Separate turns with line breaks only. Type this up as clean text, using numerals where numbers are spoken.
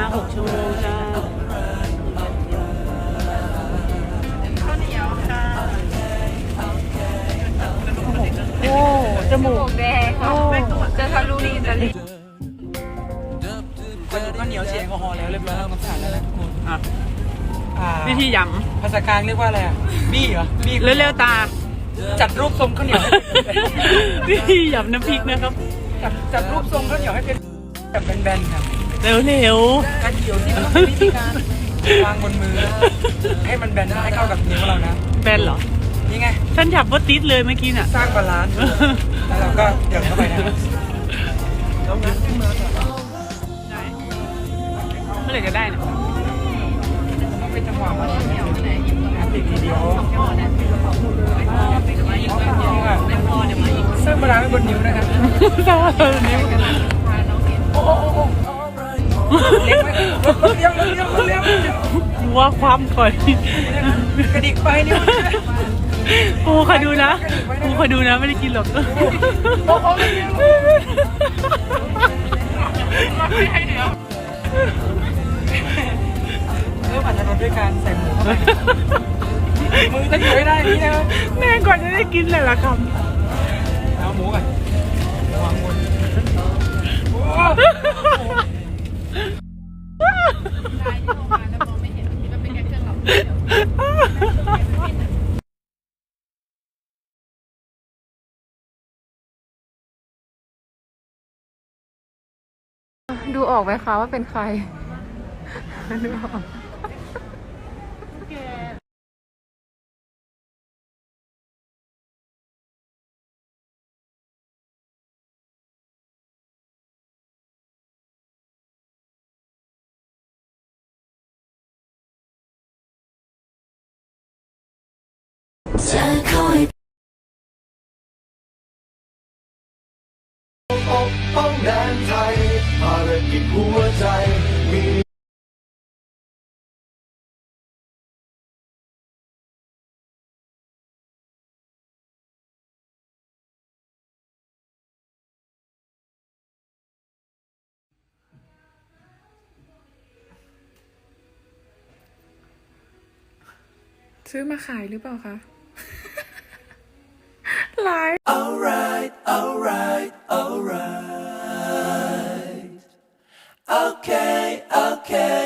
6 ชั่วโมงจ้า
ข้าวเหนียวค่ะ
โอ้จมูก
แดงค่ะจะทะลุนี่จะรีบ
ข้าวเหนียวเฉียงแอลกอฮอล์แล้วเรียบร้อยต้องผ่านแล้วนะทุกคน
วิธีย
ภาษากลางเรียกว่าอะไรอ่ะบี้เหรอบี้
ำเร็วๆตา
จัดรูปทรงข้าวเหนียวให้เป็น
วิธียำน้ำพริกนะครับ
จัดรูปทรงข้าวเหนียวให้เป็นแบบแบนๆครับ
เร็ว
กระเดี่ยวที่ต้องเป็นวิธีการวางบนมือให้มันแบนให้เข้ากับนิ้วเรานะ
แบนเหรอ
นี่ไง
ฉันจับว่าติดเลยเมื่อกี้น่ะ
สร้างบาลานซ์แล้วเราก็เดี่ยวเข้าไปนะแล้วงั้นขึ้นมา
เมื่อไหร่จะได้เนี่ย
ต้องเป็นจังหวะมันติดทีเดียวสร้างบาลานซ์ไว้บนนิ้วนะครับ
สร้างบาลานซ์นิ้ว
โอ้เลี้ยงไว้เลี้ยง
ว่าความก่อน
กระดิกไปนิ้ว
กูคอยดูนะไม่ได้กินหรอก
อาจจะลดด้วยการใส่หมูเข้าไปมือต้องอยู่ให้ได้นี่นะ
แม่ก่อนจะได้กินเลยละคำ
เอาหมูก่อนวางบน
ดูออกไหมคะว่าเป็นใครดูออก
ป้องแดนไทยภารกิจหัวใจมี
ซื้อมาขายหรือเปล่าคะไลฟ์
alright okay